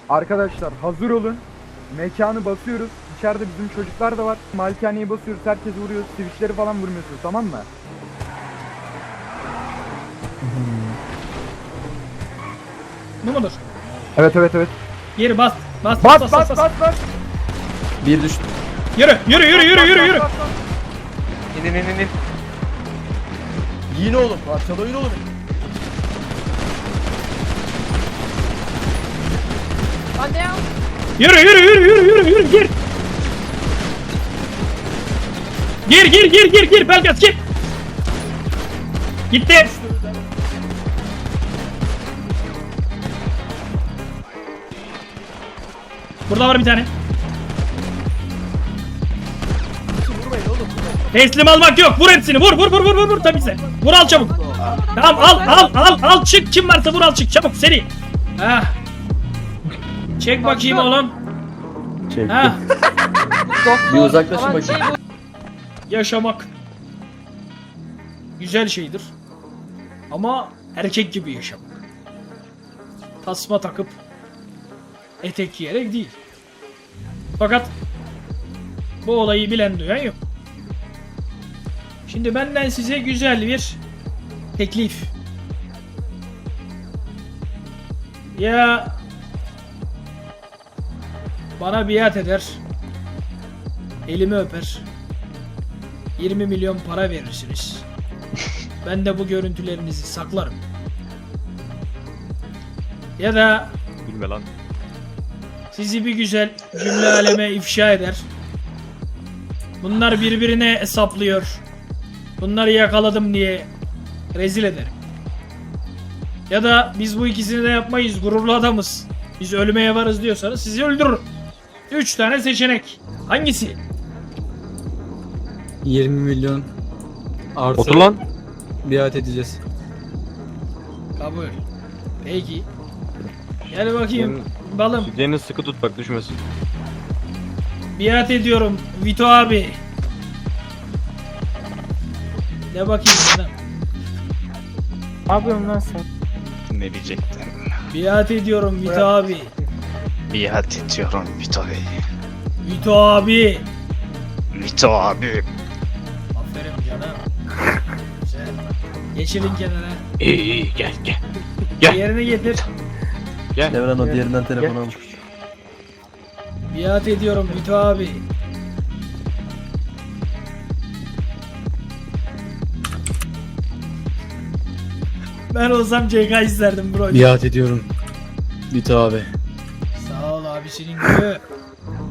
Arkadaşlar hazır olun. Mekanı basıyoruz. İçeride bizim çocuklar da var. Malikaneyi basıyoruz. Herkes vuruyor. Switchleri falan vurmuyorsunuz, tamam mı? Bu mudur? Evet. Geri bas. Bas. Bas. Bir düştü. Yürü. Bas. İnin. Yiyin oğlum. Parçalayın oğlum. Hadi ya. Yürü gir. Belgaz gir. Gitti. Burada var bir tane. Teslim almak yok. Vur hepsini. Vur tabii sen. Vur al çabuk. Tamam al çık. Kim varsa vur al çık çabuk seri. Ha. Çek bakayım oğlum. Çektim. Ha. Bir uzaklaşın Aman bakayım. Yaşamak güzel şeydir. Ama erkek gibi yaşamak. Tasma takıp etek giyerek değil. Fakat bu olayı bilen duyan yok. Şimdi benden size güzel bir teklif. Ya bana biat eder, elimi öper, 20 milyon para verirsiniz. Ben de bu görüntülerinizi saklarım. Ya da Gülme lan. sizi bir güzel cümle aleme ifşa eder. Bunlar birbirine hesaplıyor. Bunları yakaladım diye rezil ederim. Ya da biz bu ikisini de yapmayız, gururlu adamız, biz ölmeye varız diyorsanız sizi öldürürüm. 3 tane seçenek. Hangisi? 20 milyon artı Otur lan. biat edeceğiz. Kabul. Peki. Gel bakayım balım. Sütyeni sıkı tut bak düşmesin. Biat ediyorum Vito abi. Ne bakayım sana. Ne yapıyorsun lan sen? Ne diyecektim? Biat ediyorum Vito abi. Biat ediyorum Vito Bey. Vito abi. Vito abi. Aferin canım. Güzel. Geçirin kenara. İyi gel. Gel. Yerine getir. Gel. Devran o diğerinden telefonu almış. Biat ediyorum Vito abi. Ben olsam CK isterdim bro. Biat ediyorum. Vito abi. Sağ ol abisinin gülü.